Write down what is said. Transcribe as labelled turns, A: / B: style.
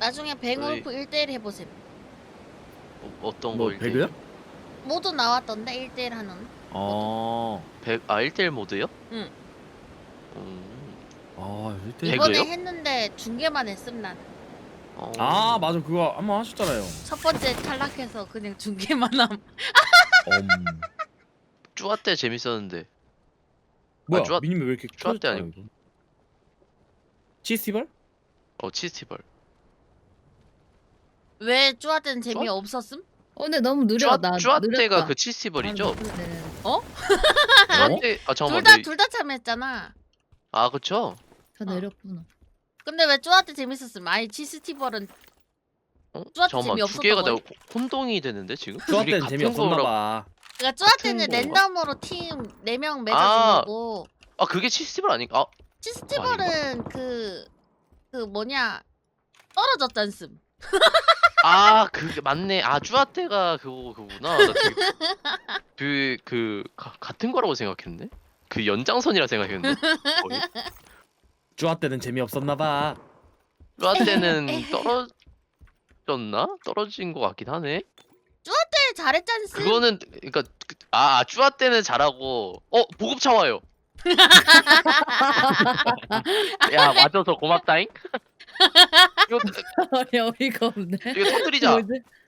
A: 나중에 뱅울프 1대1 해보세요.
B: 어떤
C: 뭐
B: 거 1대1?
C: 배그야?
A: 모두 나왔던데 1대1 하는.
C: 아,
B: 1대1 모드요?
A: 응.
C: 아,
B: 배그요?
A: 이번에 했는데 중계만 했음 난.
C: 아 맞아 그거 한번 하셨잖아요.
A: 첫 번째 탈락해서 그냥 중계만 함.
B: 쭈아 때 재밌었는데.
C: 뭐야
B: 쭈아-
C: 미니맵 왜 이렇게
B: 쭈아 때
C: 커졌다
B: 아니고.
C: 이거? 치스티벌?
B: 치스티벌.
A: 왜 쭈아때는 재미
B: 쭈아-
A: 없었음?
D: 근데 너무 느려. 나
B: 쭈아
D: 느렸다.
B: 때가 그 치스티벌이죠?
D: 네.
B: 쭈아 때 잠깐만.
A: 둘 다 참여했잖아.
B: 그쵸?
D: 다 내렸구나.
A: 근데 왜 쭈아때 재밌었음? 아니 치스티벌은 쭈아 때
B: 잠깐만 두
A: 재미없었던
B: 개가
A: 거야?
B: 내가 혼동이 되는데 지금?
C: 쭈아
B: 둘이
C: 때는
B: 같은
C: 재미없었나
B: 거라-
C: 봐.
A: 그러니까 쭈아때는
B: 같은
A: 랜덤으로 팀 4명 맺어주는 거고
B: 그게 치스티벌 아닌가?
A: 치스티벌은 그 뭐냐 떨어졌잖음.
B: 그게 맞네. 쭈아 때가 그거구나. 나 되게 같은 거라고 생각했네. 그 연장선이라 생각했는데. 거의.
C: 쭈아 때는 재미없었나 봐.
B: 쭈아 때는 떨어졌나? 떨어진 것 같긴 하네.
A: 네, 잘했잖음.
B: 그거는 그러니까 쭈아 때는 잘하고 보급차 와요. 야 맞아서 고맙다잉. 이거
D: 어이가 없네.
B: 이거 터뜨리자.
D: 뭐지?